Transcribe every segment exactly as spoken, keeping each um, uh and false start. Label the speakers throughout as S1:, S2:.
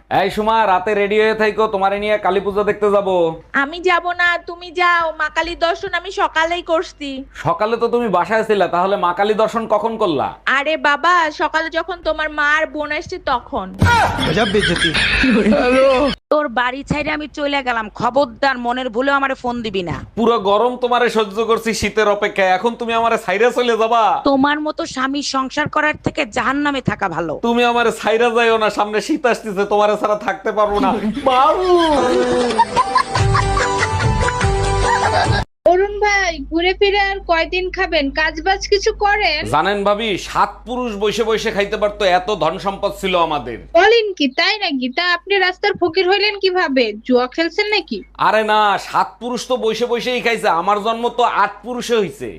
S1: এই সুমা, রাতে রেডি হয়ে থাইকো, তোমারে নিয়ে কালী পূজা দেখতে যাব।
S2: আমি যাব না, তুমি যাও। মা কালীর দর্শন আমি সকালেই করছি।
S1: সকালে তো তুমি বাসায় ছিলা, তাহলে মা কালী দর্শন কখন করলা?
S2: আরে বাবা, সকালে যখন তোমার মা আর বোন আসছে তখন।
S3: তোর বাড়ি ছাইরে আমি চলে গেলাম, খবরদার মনের ভুলেও আমারে ফোন দিবি না।
S1: পুরো গরম তোমারে সহ্য করছি শীতের অপেক্ষায়, এখন তুমি আমারে ছাইরা চলে যাবা?
S3: তোমার মতো স্বামী সংসার করার থেকে জাহান্নামে থাকা ভালো।
S1: তুমি আমারে ছাইরা যাইও না, সামনে শীত আসতেছে, তোমারে ছাড়া থাকতে পারবো না। বাবু!
S4: অরুণ ভাই, ঘুরে ফিরে আর কয়দিন খাবেন? কাজ বাজ কিছু করেন?
S1: জানেন ভাবি, সাত পুরুষ বসে বসে খাইতে পারতো, এত ধন সম্পদ ছিল আমাদের।
S4: বলেন কি, তাই নাকি? তা আপনি রাস্তার ফকির হইলেন কিভাবে? জুয়া খেলছেন নাকি?
S1: আরে না, সাত পুরুষ তো বসে বসেই খাইছে, আমার জন্ম তো আট পুরুষে হইছে।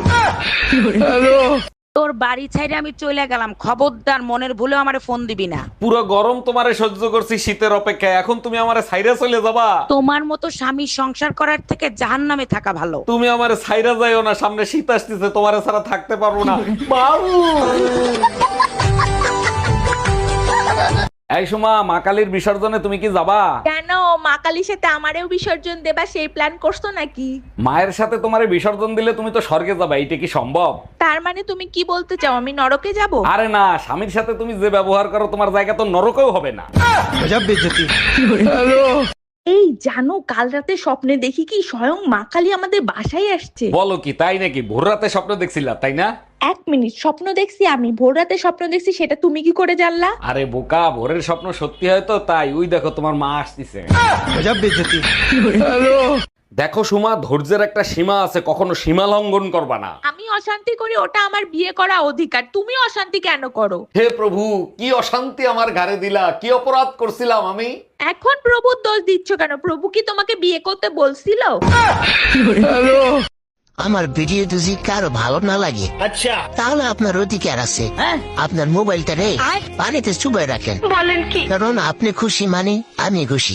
S3: তোর বাড়ি ছাইরে আমি চলে গেলাম, খবরদার মনের ভুলেও আমারে ফোন দিবি না।
S1: পুরো গরম তোমারে সহ্য করছি শীতের অপেক্ষায়, এখন তুমি আমারে ছাইরা চলে যাবা?
S3: তোমার মতো স্বামী সংসার করার থেকে জাহান্নামে থাকা ভালো।
S1: তুমি আমারে ছাইরা যাইও না, সামনে শীত আসতেছে, তোমারে ছাড়া থাকতে পারবো না। বাবু! এই সুমা, মা কালীর বিসর্জনে তুমি কি যাবা?
S2: কেন, মা কালীর সাথে আমারেও বিসর্জন দেবা সেই প্ল্যান করছো নাকি?
S1: মায়ের সাথে তোমারে বিসর্জন দিলে তুমি তো স্বর্গে যাবা, এইটা কি সম্ভব?
S2: তার মানে তুমি কি বলতে চাও আমি নরকে যাব?
S1: আরে না, স্বামীর সাথে তুমি যে ব্যবহার করো, তোমার জায়গা তো নরকেও হবে না।
S2: এই জানো, কাল রাতে স্বপ্নে দেখি কি স্বয়ং মা কালী আমাদের বাসায় আসছে।
S1: বলো কি, তাই নাকি? ভোর রাতে স্বপ্ন দেখছিলা, তাই না?
S2: এক মিনিট, স্বপ্ন দেখছি আমি? ভোর রাতে স্বপ্ন দেখছি সেটা তুমি কি করে জানলা?
S1: আরে বোকা, ভোরের স্বপ্ন সত্যি হয় তো, তাই ওই দেখো তোমার মা আসতেছে। দেখো সুমা, ধৈর্যের একটা সীমা আছে, কখনো সীমা লঙ্ঘন করবা না।
S2: আমি অশান্তি করি, ওটা আমার বিয়ে করা অধিকার। তুমি অশান্তি কেন করো?
S1: হে প্রভু, কি অশান্তি আমার ঘাড়ে দিলা, কি অপরাধ করছিলাম আমি?
S2: এখন প্রভুর দোষ দিচ্ছ কেন? প্রভু কি তোমাকে বিয়ে করতে বলছিল?
S5: আমার ভিডিও যদি কারো ভালো না লাগে, আচ্ছা, তাহলে আপনার অধিকার আছে আপনার মোবাইলটা রে পানিতে চুবাই রাখেন।
S2: বলেন কি?
S5: কারণ আপনি খুশি মানে আমি খুশি।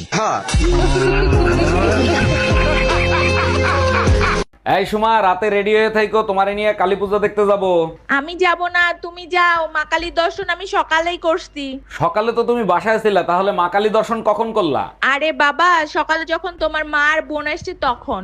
S1: এই সুমা, রাতে রেডি হয়ে থাইকো, তোমারে নিয়ে কালী পূজা দেখতে যাব।
S2: আমি যাব না, তুমি যাও। মা কালীর দর্শন আমি সকালেই করছি।
S1: সকালে তো তুমি বাসায় ছিলা, তাহলে মা কালী দর্শন কখন করলা?
S2: আরে বাবা, সকালে যখন তোমার মা আর বোন আসছে তখন।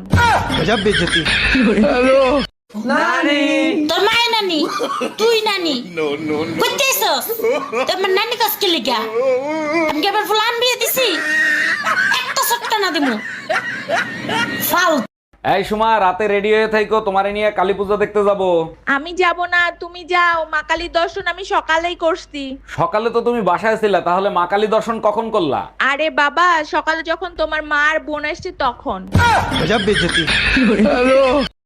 S6: তোর মায়ের নানি, তুই নানি করতেছস? তোমার নানি কাজকে লিগা আমি কি আবার ফুলান বিয়ে দিছি? একটা সট্টা না দিমু ফাল।
S1: এই সুমা, রাতে রেডি হয়ে থাইকো, তোমারে নিয়ে কালী পূজা দেখতে যাব।
S2: আমি যাব না, তুমি যাও। মা কালীর দর্শন আমি সকালেই করছি।
S1: সকালে তো তুমি বাসায় ছিলা, তাহলে মা কালী দর্শন কখন করলা?
S2: আরে বাবা, সকালে যখন তোমার মা আর বোন আসছে তখন।